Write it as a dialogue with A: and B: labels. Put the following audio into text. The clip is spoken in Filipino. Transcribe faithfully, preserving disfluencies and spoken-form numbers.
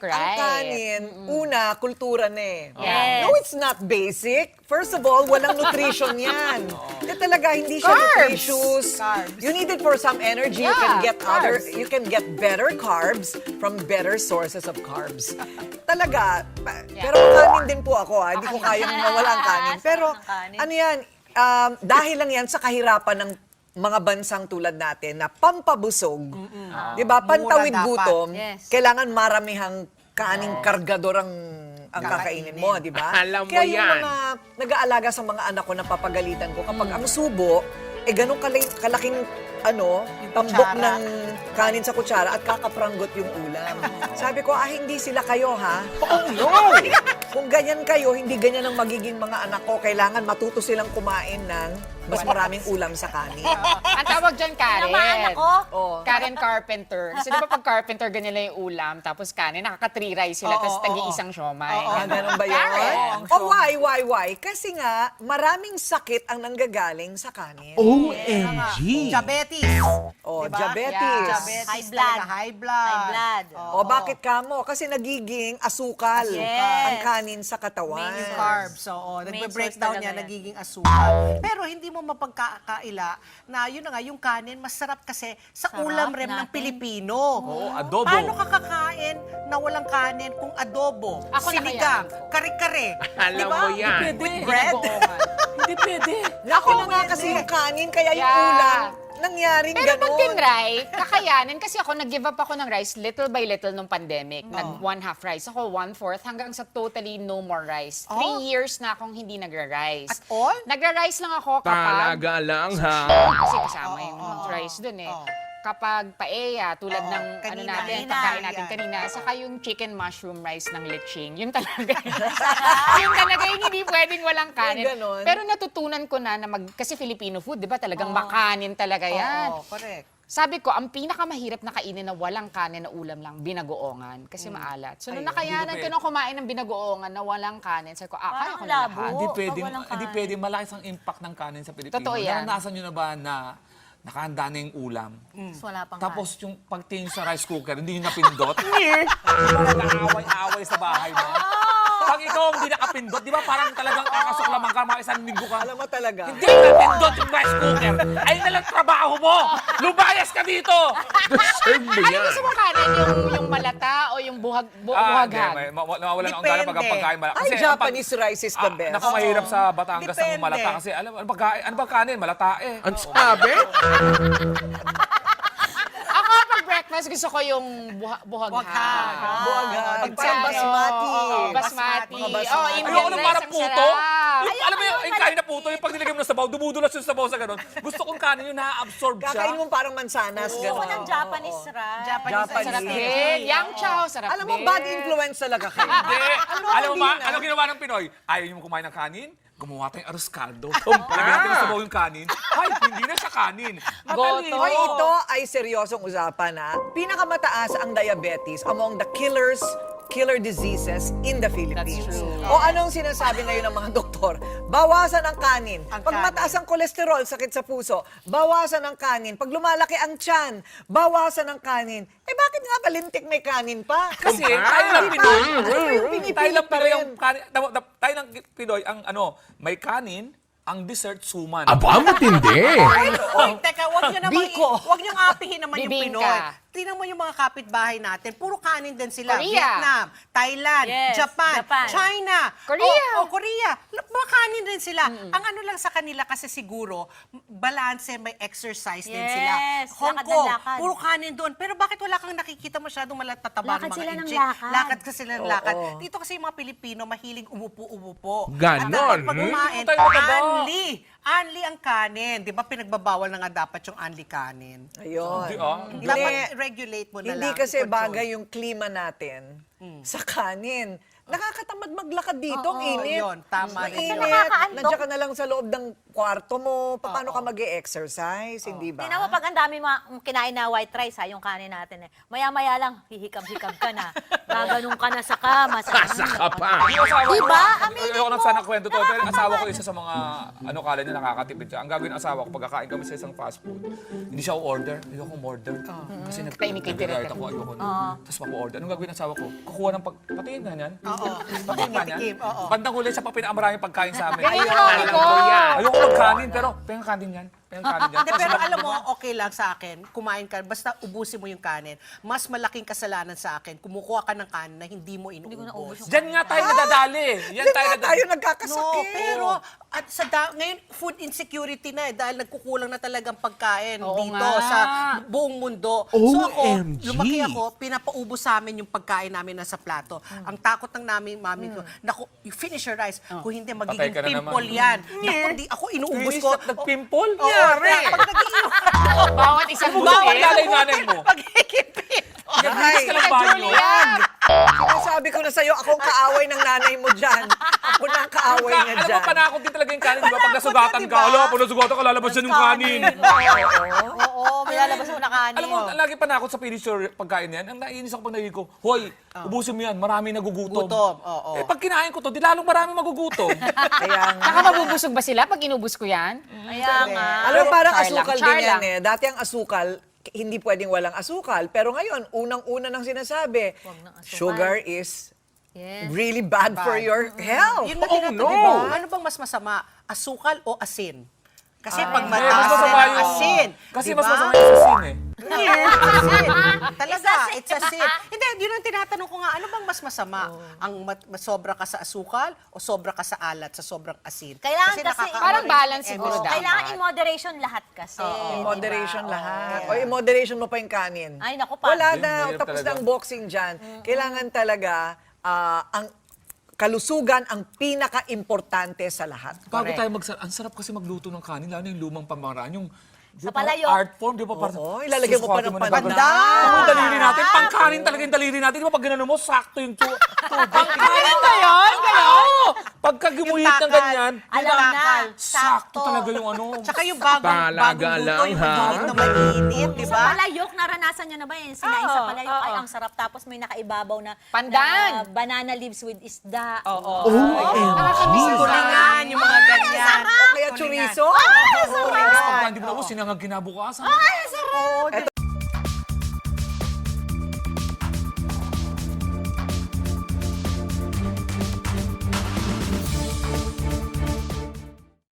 A: Right.
B: ang kanin, una, kultura na eh.
A: Yes.
B: No, it's not basic. First of all, walang nutrition yan. Eh talaga, hindi siya
A: Carbs.
B: nutritious.
C: Carbs.
B: You need it for some energy. You can
A: Yeah,
B: get other,
A: carbs.
B: you can get better carbs from better sources of carbs. Talaga, pa- pero kanin din po ako ha. Hindi ko kayang mawala ang kanin. Pero
D: Sarap ng kanin.
B: ano yan, um, dahil lang yan sa kahirapan ng mga bansang tulad natin na pampabusog, di ba, pantawid
C: Mura dapat.
B: gutom,
D: Yes.
B: kailangan maramihang kaning kargador ang ang kakainin mo, di ba?
E: Alam mo
B: Kaya yung
E: yan.
B: mga nag-aalaga sa mga anak ko na papagalitan ko, kapag ang subo, eh ganun kali- kalaking ano, tambok
C: kutsara.
B: ng kanin sa kutsara at kakaprangot yung ulam. Sabi ko, ah, hindi sila kayo, ha?
E: Oh, no!
B: Kung ganyan kayo, hindi ganyan ang magiging mga anak ko. Kailangan matuto silang kumain ng mas maraming ulam sa kanin.
A: Ang tawag dyan, Karen.
D: Ano mga anak ko?
B: Oh.
A: Karen Carpenter. Kasi di ba pag Carpenter, ganyan lang yung ulam, tapos kanin, nakaka-three rice sila,
C: Oo,
A: tapos
C: oo,
A: tagi-isang siomay.
B: Ah, ganun ba yun?
A: Karen.
B: Oh, why, why, why? Kasi nga, maraming sakit ang nanggagaling sa kanin.
E: O M G!
C: Diabetes.
B: Oh,
C: Diba?
B: diabetes.
A: Yeah.
C: Diabetes
D: High blood.
C: talaga, high blood.
D: High blood.
C: Oo.
B: O bakit kamo? Kasi nagiging asukal
D: Yes.
B: ang kanin sa katawan.
C: Main yung carbs. Oo,
D: Main
C: nagbe-breakdown
D: source
C: niya,
D: talaga yan.
C: nagiging asukal. Pero hindi mo mapagkakaila na yun na nga, yung kanin, masarap kasi sa
D: Sarap
C: ulam rem ng
D: natin.
C: Pilipino.
E: Oo, adobo.
C: Paano ka kakain na walang kanin kung adobo,
A: Ako
C: sinigang,
A: nakayanan ko.
C: kare-kare?
E: Alam
C: Diba?
E: mo yan.
C: With bread?
A: Hindi pwede.
B: Ako na nga kasi yung kanin, kaya yung
A: Yeah.
B: ulam, nangyaring
A: Pero pag
B: ganon.
A: tinry, kakayanin. Kasi ako nag-give up ako ng rice little by little nung pandemic.
C: Oh.
A: Nag one half rice. Ako one fourth hanggang sa totally no more rice. Three
C: Oh.
A: years na akong hindi nagra-rice.
C: At all?
A: Nagra-rice lang ako kapag...
E: Talaga lang, ha?
A: Kasi kasama
C: Oo,
A: yung
C: oo,
A: rice dun eh.
C: oo.
A: Kapag paella, tulad
C: Oo,
A: ng ano
C: kanina,
A: natin,
C: kanina.
A: pagkain natin
C: Yan.
A: kanina, saka yung chicken mushroom rice ng leching, yun talaga. yun talaga yung hindi pwedeng walang kanin.
B: ganon.
A: Pero natutunan ko na, na mag, kasi Filipino food, di ba talagang makanin talaga yan.
C: Oo, correct.
A: Sabi ko, ang pinakamahirap na kainin na walang kanin na ulam lang, binagoongan. Kasi maalat. So, nung
B: Ayun,
A: nakayanan ko nung kumain ng binagoongan na walang kanin, sabi ko, ah, kaya
D: Parang
A: ko na
D: labo.
A: lahat.
F: Hindi
D: Pag
F: pwedeng,
D: walang
F: hindi
D: kanin.
F: pwedeng malaki ang impact ng kanin sa Pilipino.
A: Totoo yan.
F: Naranasan nyo na ba na nakahanda na yung ulam?
D: Mas wala pang
F: Tapos yung pagtingin sa rice cooker, hindi nyo napindot? Nag-aaway-away sa bahay mo. Pag ikaw hindi nakapindot, di ba parang talagang kakasuklaman ka, mga isang linggo ka.
B: Alam mo talaga.
F: Hindi napindot yung rice cooker. Ay nalang trabaho mo. Lumayas ka dito.
E: Deserve mo
A: Ano
E: yan.
A: gusto mong kanin? Yung, yung malata o yung buhag, bu-
F: Ah, hindi.
A: buhaghag?
F: May, ma- nawawalan ang gana pag ang
C: Depende.
F: pagkain. mala-
B: Ay,
F: Kasi ang pag-
B: Japanese rice is the
F: Ah,
B: best.
F: Naku, mahirap sa Batangas ang
C: Depende.
F: malata. Kasi alam, ano ba, kain- ano ba kanin? Malata eh.
E: Ang sabi?
A: Ako, pag breakfast, gusto ko yung buha, buhaghag.
C: Buhaghag.
B: Buhaghag.
A: Pag
B: Parang
A: sa-
B: basmati.
A: Oo, basmati.
B: Mga basmati.
A: Oh, Indian
F: Ayoko nung
A: rice,
F: parang
A: ang
F: puto.
A: sarap.
F: Yung, alam mo yung, yung kain na puto, yung pag nilagay mo na sabaw, dumudulas yung sabaw sa ganun. Gusto kong kanin yung na-absorb siya.
B: Kakain mo parang mansanas,
D: Gusto ko
B: gano'n.
D: ng Japanese rice.
C: Japanese,
B: Japanese.
A: Sarap
C: rice.
A: din. Yang chow, sarap
B: Alam mo,
A: din.
B: bad influence talaga kayo.
F: Hindi.
B: Ano,
F: Alam mo
B: hindi
F: ba,
B: na.
F: ano ginawa ng Pinoy? Ayaw niyo mo kumain ng kanin? Gumawa tayong arroz caldo. Lagyan natin ng sabaw yung kanin. Ay, hindi na siya kanin. Matalino.
B: Hoy, ito ay seryosong usapan ha. Pinakamataas ang diabetes among the killers killer diseases in the Philippines.
A: That's true.
B: O anong sinasabi ngayon ng mga doktor? Bawasan ang kanin.
C: Ang
B: Pag
C: kanin.
B: mataas ang kolesterol, sakit sa puso, bawasan ang kanin. Pag lumalaki ang tiyan, bawasan ang kanin. Eh bakit nga balintik may kanin pa?
F: Kasi
E: Ah.
F: tayo lang
B: Di ba?
F: Pinoy.
B: Ano yung
F: Tayo
B: pinipilit
F: lang
B: pa
F: Pinoy
B: rin?
F: ang kanin. da- da- Tayo lang Pinoy ang ano, may kanin, ang dessert suman.
E: Aba, matindi.
C: Oy, teka, wag niyo naman,
B: Biko.
C: wag niyo apihin naman yung
A: Bibingka.
C: Pinoy. Tingnan mo yung mga kapitbahay natin, puro kanin din sila.
A: Korea.
C: Vietnam, Thailand,
D: Yes,
C: Japan,
D: Japan.
C: China,
A: Korea.
C: O, o Korea. L- Mga kanin din sila. Ang ano lang sa kanila kasi siguro, m- balance, may exercise din sila.
D: Yes,
C: Hong
D: lakad na
C: Kong,
D: lakad.
C: puro kanin doon. Pero bakit wala kang nakikita masyadong malatataba
D: Lakad
C: ng mga
D: sila ng
C: inchik?
D: lakad.
C: Lakad ka sila ng lakad.
B: Oo.
C: Dito kasi yung mga Pilipino, mahilig umupo-umupo.
E: Ganon,
C: At dapat pag
E: hmm?
C: kumain,
F: Tayo mataba.
C: anli. Anli ang kanin. Di ba pinagbabawal na nga dapat yung anli kanin?
B: Ayun.
F: Hindi, ah.
B: Hindi.
C: Dapat regulate mo na
B: Hindi
C: lang.
B: kasi
C: i-control.
B: bagay yung klima natin sa kanin. nakakatamad maglakad dito, ang
C: Oo,
B: init.
C: yun, tama
B: Ang
C: rin yun.
B: init.
D: Nakakaandok.
B: Nandiyan ka na lang sa loob ng kwarto mo. Pa- Paano ka mag-e-exercise, hindi ba?
D: Tingnan mo, pag ang dami mga kinain na white rice, ha, yung kanin natin, eh. Maya-maya lang, hihikab-hikab ka na. Gaganong ka na sa kama.
E: Sasa ka pa.
F: Yung asawa ko,
D: Diba? Aminin
F: ayoko
D: mo.
F: nang sana kwento to, pero yung asawa ko isa sa mga, ano kala niya, nakakatipid siya. Ang gagawin ng asawa ko, pagkakain kami sa isang fast food, hindi siya order. Ayoko order. Kasi nag
A: Tahimik ka
F: nag-diet
A: direct.
F: ako, ayoko na. Tapos mapo-order. Anong gagawin ng asawa ko? Kukuha ng pag... Patingin nga niyan.
C: Oo.
F: Patingin nga niyan.
C: Patikim, oo.
F: Bandang huli, siya pa pinakamaraming pagkain sa amin.
A: Ganyan ang mami ko.
F: Ayoko magkanin, pero pengang kanin yan. Pengang kanin yan.
C: Hindi, pero alam mo, okay lang sa akin, kumain ka, basta ubusin mo yung kanin. Mas malaking kasalanan sa akin, kumukuha ka ng kanin na hindi mo inuubos.
F: Diyan nga tayo nadadali. Yan
B: Diyan
F: tayo
B: nga tayo
F: nadadali.
B: nagkakasakit.
C: No, pero at sa da- ngayon food insecurity na eh dahil nagkukulang na talagang pagkain
A: Oo
C: dito
A: nga.
C: sa buong mundo. So ako,
E: O M G.
C: lumaki ako, pinapaubos sa amin yung pagkain namin nasa plato. Ang takot ng namin mami ko, naku, you finish your rice. Kung hindi
F: Patay
C: magiging
F: ka na
C: pimple
F: naman.
C: yan. Naku, hindi ako inuubos
F: Finish
C: ko.
F: na nagpimple?
C: Oo,
F: Yari!
C: pag nag-iinom
A: Bawat isang
F: Bawat
A: buti.
F: lalay nanay mo.
C: pagiging pimple.
F: Naglinis ka ng banyo.
B: Sinasabi ko na sa'yo, akong kaaway ng nanay mo dyan. Ako na ang kaaway niya
F: Alam
B: dyan.
F: mo, panakot din talaga yung kanin. Di ba? Pag nasugatan ka, alam, pag nasugatan ka, lalabas yan yung kanin.
D: Oo, may lalabas mo na kanin.
F: Alam mo, lagi panakot sa finish your pagkain na yan. Ang naiinis ako pag nagiging ko, hoy, ubusin mo yan, marami nagugutom.
C: Gutom, oo.
F: Eh, pag kinain ko to, di lalong marami magugutom.
B: Kaya nga.
A: Saka mabubusog ba sila pag inubos ko yan?
D: Kaya nga.
B: Alam mo, parang
A: Char lang,
B: asukal
A: char
B: din yan
A: lang.
B: eh. Dati ang asukal, k- hindi pwedeng walang asukal. Pero ngayon, unang-una nang sinasabi,
D: ng asukal.
B: sugar is
D: Yes.
B: really bad, for your health.
C: Yun na
F: Oh,
C: tinatanong,
F: no.
C: diba? Ano bang mas masama? Asukal o asin? Kasi pag
F: Eh, mas
C: mataas
F: masama
C: na
F: yung...
C: asin,
F: Kasi
C: diba?
F: mas masama yung asin eh.
C: Yes, asin. Talaga,
D: It's
C: it's asin. Hindi, yun ang tinatanong ko nga, ano bang mas masama? Ang mat- mas sobra ka sa asukal o sobra ka sa alat, sa sobrang asin?
D: Kailangan kasi-
C: nakakaano
A: Parang
C: rin
A: balance
C: yung
A: siguro
C: M S G.
A: dapat.
D: Kailangan in moderation lahat kasi.
B: In
D: di
B: moderation
D: ba?
B: lahat.
D: Oo.
B: O in moderation mo pa yung kanin.
D: Ay, naku, pa.
B: Wala
F: Yun,
B: na,
F: mahirap
B: tapos
F: talaga.
B: na ang boxing dyan. Kailangan talaga, ah, ang kalusugan ang pinaka-importante sa lahat.
F: Bago tayo magsarap, ang sarap kasi magluto ng kanin, lalo na yung lumang pamaraan, yung di
D: Sa
F: ba,
D: palayok.
F: art form, di ba? Parang,
B: Oo, ilalagay mo pa
F: susukatin
B: ng
F: na
B: pandan.
F: gano'n. Ang daliri natin, pangkanin talaga yung daliri natin. Di ba pag gano'n mo, sakto yung tu- tubig. Pangkanin ba yun? Oo! Pagka gumuhit ng
C: takal.
F: ganyan,
D: Alam na.
F: sakto talaga yung ano.
C: Tsaka yung bagong,
E: Talaga
C: bagong luto,
E: lang,
C: yung
E: ha?
C: mainit na mainit, di
D: Sa
C: ba?
D: palayok, naranasan nyo na ba yun? Sinain sa
A: Oo,
D: palayok,
A: oo.
D: ay ang sarap. Tapos may nakaibabaw na,
A: Pandan.
D: na banana leaves with isda.
A: Oo.
E: O M G.
C: Kulingan, yung mga ganyan.
B: O kaya chorizo.
F: Tapos pagka hindi mo na, sinangag kinabukasan.
B: Ito